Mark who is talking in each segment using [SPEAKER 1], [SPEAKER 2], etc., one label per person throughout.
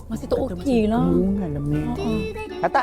[SPEAKER 1] Masih tak okey lah.
[SPEAKER 2] Hubungan lah, Mek. Kata.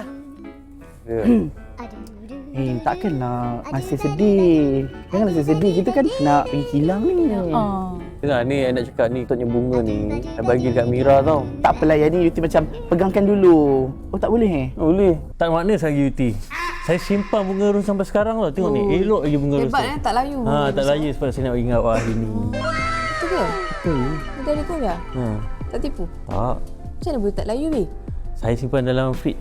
[SPEAKER 2] Takkanlah masih sedih. Janganlah sedih. Kita kan nak pergi kilang ni.
[SPEAKER 3] Tengah ni I nak cakap ni Toknya bunga ni I bagi kat Mira tau.
[SPEAKER 2] Tak apalah yang ni Yuti macam pegangkan dulu. Oh tak boleh
[SPEAKER 3] Boleh. Tak makna saya Yuti. Saya simpan bunga ros sampai sekarang tau. Tengok ni elok lagi bunga ros.
[SPEAKER 1] Hebat tak layu.
[SPEAKER 3] Tak layu sebab saya nak bagi ingat hari ni.
[SPEAKER 1] Betul ke?
[SPEAKER 3] Betul.
[SPEAKER 1] Dari Korea? Tak tipu?
[SPEAKER 3] Tak.
[SPEAKER 1] Macam mana boleh tak layu weh?
[SPEAKER 3] Saya simpan dalam fridge.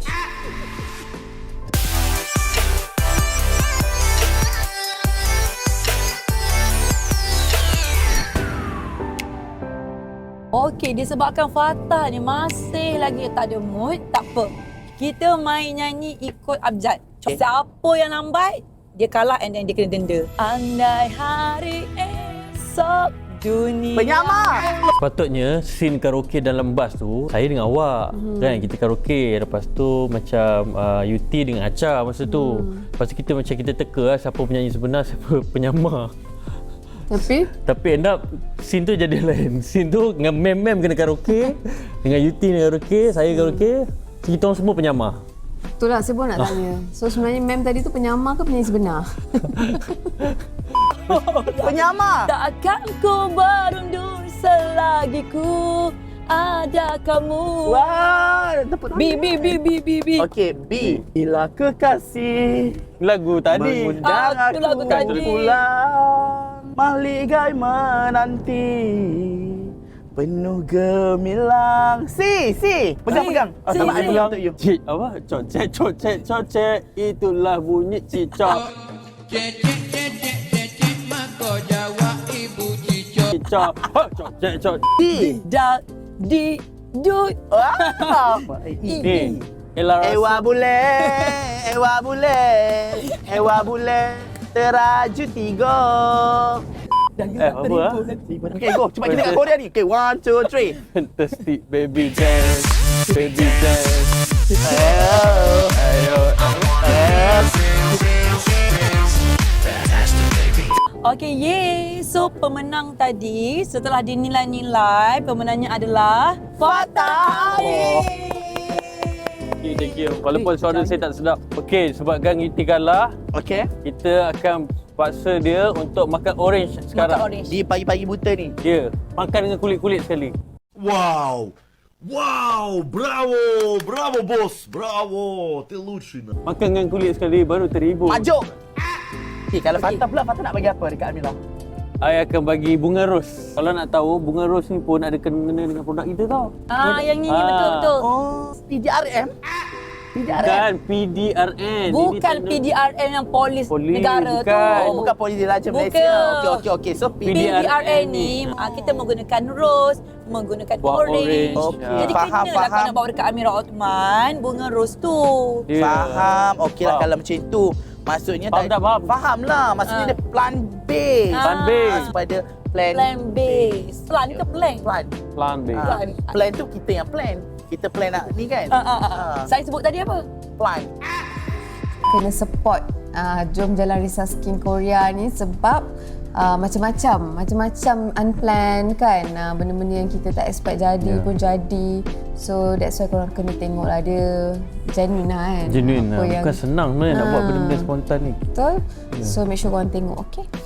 [SPEAKER 1] Okey, disebabkan Fatah ni masih lagi tak ada mood, tak apa. Kita main nyanyi ikut abjad. Siapa yang lambat, dia kalah and then dia kena denda. Andai hari esok dunia...
[SPEAKER 2] Penyamar!
[SPEAKER 3] Sepatutnya scene karaoke dalam bas tu saya dengan awak kan kita karaoke, lepas tu macam Yuti dengan Acha masa tu. Lepas tu kita macam kita teka lah siapa penyanyi sebenar, siapa penyamar. Tapi end up scene tu jadi lain. Scene tu dengan mem-mem kena karaoke, dengan Yuti kena karaoke, saya karaoke, kita orang semua penyamar.
[SPEAKER 4] Itulah saya pun nak tanya. So sebenarnya mem tadi tu penyamar ke penyanyi sebenar?
[SPEAKER 2] Penyamar!
[SPEAKER 1] Takkan ku berundur selagi ku ada kamu.
[SPEAKER 2] Wah,
[SPEAKER 1] B.
[SPEAKER 2] Okey, B. Bila kekasih
[SPEAKER 3] Lagu tadi.
[SPEAKER 2] mengundang
[SPEAKER 1] Aku lagu
[SPEAKER 2] aku
[SPEAKER 1] tadi.
[SPEAKER 2] pulang, maligai menanti, penuh gemilang. Si. Pegang.
[SPEAKER 1] Si,
[SPEAKER 2] Sama
[SPEAKER 1] si.
[SPEAKER 2] I pegang untuk you.
[SPEAKER 3] Cik apa? Cocek. Itulah bunyi cicak.
[SPEAKER 5] Maka jawab ibu cicak.
[SPEAKER 3] Cicak. Cocek.
[SPEAKER 2] Si.
[SPEAKER 1] Di dut.
[SPEAKER 2] Wah.
[SPEAKER 3] Ni. Ella
[SPEAKER 2] Ewa bule, teraju tiga.
[SPEAKER 3] apa ah?
[SPEAKER 2] Okay, go. Cepat kita kat Korea ni. Okay, 1, 2, 3.
[SPEAKER 3] Fantastic baby dance. Baby dance. Ayo.
[SPEAKER 1] Okey, yay. So, pemenang tadi setelah dinilai-nilai, pemenangnya adalah Fatah.
[SPEAKER 3] Thank you. Walaupun suara saya tak sedap. Okey, sebabkan Yuti kalah,
[SPEAKER 2] Okay.
[SPEAKER 3] kita akan paksa dia untuk makan orange sekarang.
[SPEAKER 1] Makan orange.
[SPEAKER 2] Di pagi-pagi buta ni.
[SPEAKER 3] Ya, makan dengan kulit-kulit sekali.
[SPEAKER 6] Вау! Вау! Браво, босс! Браво! Ты лучший!
[SPEAKER 3] Makan dengan kulit sekali baru terhibur.
[SPEAKER 2] Majuk. Okay, kalau Fatah pula, Fatah nak bagi apa dekat Amira?
[SPEAKER 3] I akan bagi bunga ros. Kalau nak tahu, bunga ros ni pun ada kena dengan produk kita tau.
[SPEAKER 1] Yang ni betul-betul.
[SPEAKER 2] Oh, PDRM?
[SPEAKER 3] Dan PDRN.
[SPEAKER 1] Bukan PDRN yang polis negara
[SPEAKER 3] bukan.
[SPEAKER 1] tu.
[SPEAKER 2] Oh, bukan Polis Diraja Malaysia.
[SPEAKER 1] Bukan.
[SPEAKER 2] Okey. So,
[SPEAKER 1] PDRN ni kita menggunakan rose, menggunakan
[SPEAKER 3] Buat
[SPEAKER 1] orange.
[SPEAKER 2] Okey.
[SPEAKER 1] Jadi
[SPEAKER 2] Faham.
[SPEAKER 1] kenalah kau nak bawa dekat Amira Othman bunga rose tu.
[SPEAKER 3] Dia.
[SPEAKER 2] Faham. Okey lah
[SPEAKER 3] Faham.
[SPEAKER 2] kalau macam itu. Maksudnya
[SPEAKER 3] Faham tak faham?
[SPEAKER 2] Faham lah. Maksudnya dia plan base.
[SPEAKER 3] Plan base.
[SPEAKER 2] Supaya plan
[SPEAKER 1] Base. Plan ke plan?
[SPEAKER 3] Plan B.
[SPEAKER 2] Plan tu kita yang plan. Kita plan nak ni kan.
[SPEAKER 1] Saya sebut tadi apa?
[SPEAKER 2] Plan.
[SPEAKER 4] Kena support Jom Jalan Risau Skin Korea ni sebab macam-macam unplanned kan, benda-benda yang kita tak expect jadi pun jadi. So that's why korang kena tengok lah, dia genuine lah kan.
[SPEAKER 3] Genuine
[SPEAKER 4] Apa
[SPEAKER 3] lah.
[SPEAKER 4] yang-
[SPEAKER 3] Bukan senang nak buat benda-benda spontan ni.
[SPEAKER 4] Betul. So make sure korang tengok, okay?